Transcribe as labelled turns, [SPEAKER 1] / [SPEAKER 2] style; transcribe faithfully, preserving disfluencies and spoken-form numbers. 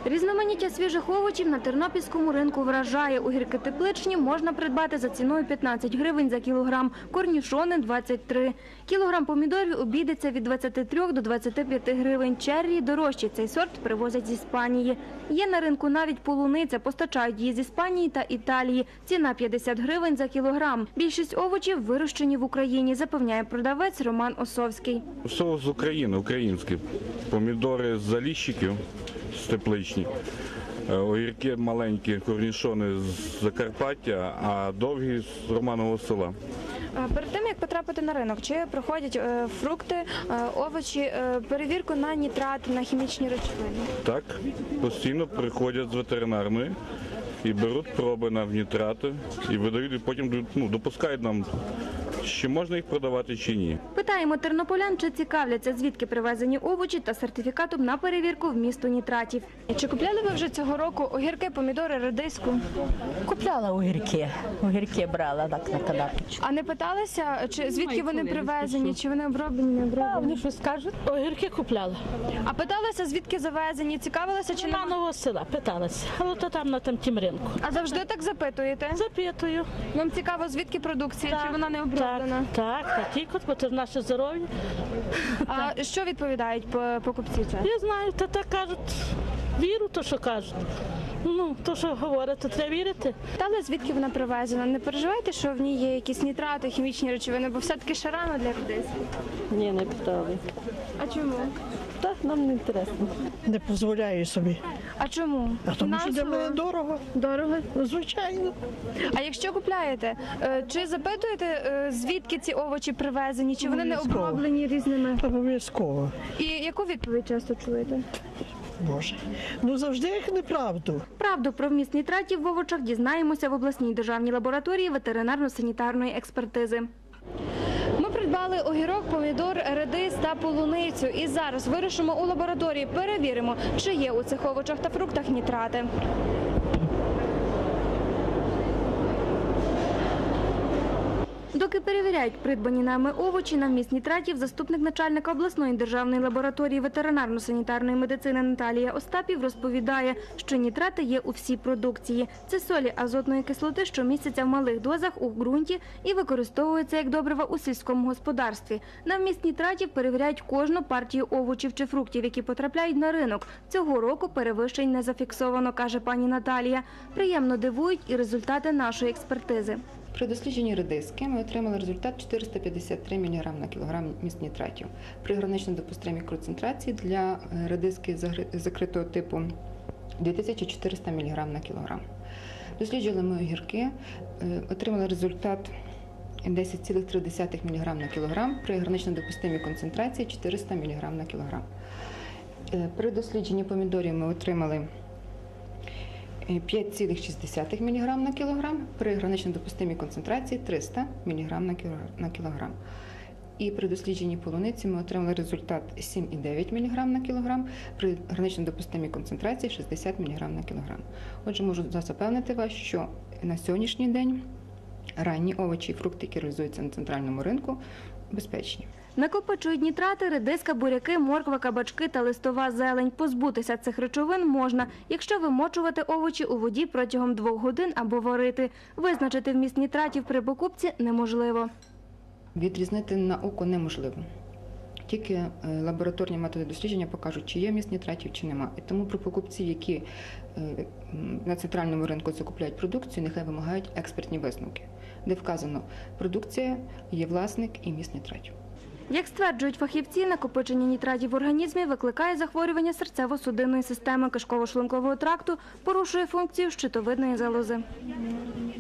[SPEAKER 1] Різноманіття свіжих овочів на тернопільському ринку вражає. Огірки тепличні можна придбати за ціною п'ятнадцять гривень за кілограм, корнішони – двадцять три. Кілограм помідорів обійдеться від двадцяти трьох до двадцяти п'яти гривень. Черрі дорожчі. Цей сорт привозять з Іспанії. Є на ринку навіть полуниця. Постачають її з Іспанії та Італії. Ціна п'ятдесят гривень за кілограм. Більшість овочів вирощені в Україні, запевняє продавець Роман Осовський.
[SPEAKER 2] Все з України, українські. Помідори з Заліщиків, з тепличні. Огірки маленькі, корнішони з Закарпаття, а довгі з Романового села.
[SPEAKER 1] Перед тим, як потрапити на ринок, чи проходять фрукти, овочі, перевірку на нітрати, на хімічні речовини?
[SPEAKER 2] Так, постійно приходять з ветеринарної і беруть проби на нітрати і видають, і потім ну, допускають нам, чи можна їх продавати, чи ні.
[SPEAKER 1] Питаємо тернополян, чи цікавляться, звідки привезені овочі та сертифікатом на перевірку вмісту нітратів. Чи купляли ви вже цього року огірки, помідори, редиску?
[SPEAKER 3] Купляла огірки, огірки брала так на канапочку.
[SPEAKER 1] А не питалися, чи звідки вони привезені, чи вони оброблені, не оброблені?
[SPEAKER 3] Вони щось кажуть? Огірки купляла.
[SPEAKER 1] А питалися, звідки завезені, цікавилися, чи
[SPEAKER 3] Чи на нового села питалася, але то там на там тім ринку.
[SPEAKER 1] А завжди так запитуєте?
[SPEAKER 3] Запитую.
[SPEAKER 1] Вам цікаво, звідки продукція, чи вона не оброблена?
[SPEAKER 3] Так, так, так, тільки, бо це ж наше здоров'я.
[SPEAKER 1] А що відповідають покупці?
[SPEAKER 3] Я знаю, то так кажуть, віру, то що кажуть. Ну, то, що говорять, то треба вірити.
[SPEAKER 1] Питали, звідки вона привезена? Не переживаєте, що в ній є якісь нітрати, хімічні речовини, бо все-таки ще рано для редиску?
[SPEAKER 4] Ні, не питали.
[SPEAKER 1] А чому?
[SPEAKER 4] Так, нам не інтересно.
[SPEAKER 5] Не дозволяю собі.
[SPEAKER 1] А чому?
[SPEAKER 5] А тому що для мене дорого.
[SPEAKER 1] Дорого?
[SPEAKER 5] Звичайно.
[SPEAKER 1] А якщо купляєте, е, чи запитуєте, е, звідки ці овочі привезені, чи вони не
[SPEAKER 5] Обов'язково.
[SPEAKER 1] оброблені різними?
[SPEAKER 5] Обов'язково.
[SPEAKER 1] І яку відповідь часто чуєте?
[SPEAKER 5] Боже. Ну завжди їх неправду.
[SPEAKER 1] Правду про вміст нітратів в овочах дізнаємося в обласній державній лабораторії ветеринарно-санітарної експертизи. Ми придбали огірок, помідор, редис та полуницю. І зараз вирішимо у лабораторії, перевіримо, чи є у цих овочах та фруктах нітрати. Доки перевіряють придбані нами овочі на вміст нітратів, заступник начальника обласної державної лабораторії ветеринарно-санітарної медицини Наталія Остапів розповідає, що нітрати є у всій продукції. Це солі азотної кислоти, що містяться в малих дозах у ґрунті і використовуються як добрива у сільському господарстві. На вміст нітратів перевіряють кожну партію овочів чи фруктів, які потрапляють на ринок. Цього року перевищень не зафіксовано, каже пані Наталія. Приємно дивують і результати нашої експертизи.
[SPEAKER 6] При дослідженні редиски ми отримали результат чотириста п'ятдесят три міліграми на кілограм вміст нітратів. При гранично допустимій концентрації для редиски закритого типу дві тисячі чотириста міліграмів на кілограм. Досліджували ми огірки, отримали результат десять цілих три десятих міліграма на кілограм, при гранично допустимій концентрації чотириста міліграмів на кілограм. При дослідженні помідорів ми отримали п'ять цілих шість десятих міліграма на кілограм, при гранично допустимій концентрації триста міліграмів на кілограм. І при дослідженні полуниці ми отримали результат сім цілих дев'ять десятих міліграма на кілограм, при гранично допустимій концентрації шістдесят міліграмів на кілограм. Отже, можу запевнити вас, що на сьогоднішній день ранні овочі і фрукти, які реалізуються на центральному ринку, безпечні.
[SPEAKER 1] Накопичують нітрати, редиска, буряки, морква, кабачки та листова зелень. Позбутися цих речовин можна, якщо вимочувати овочі у воді протягом двох годин або варити. Визначити вміст нітратів при покупці неможливо.
[SPEAKER 6] Відрізнити на око неможливо. Тільки лабораторні методи дослідження покажуть, чи є вміст нітратів, чи нема. І тому при покупці, які на центральному ринку закупляють продукцію, нехай вимагають експертні висновки, де вказано, продукція, є власник і вміст нітратів.
[SPEAKER 1] Як стверджують фахівці, накопичення нітратів в організмі викликає захворювання серцево-судинної системи, кишково-шлункового тракту, порушує функцію щитовидної залози.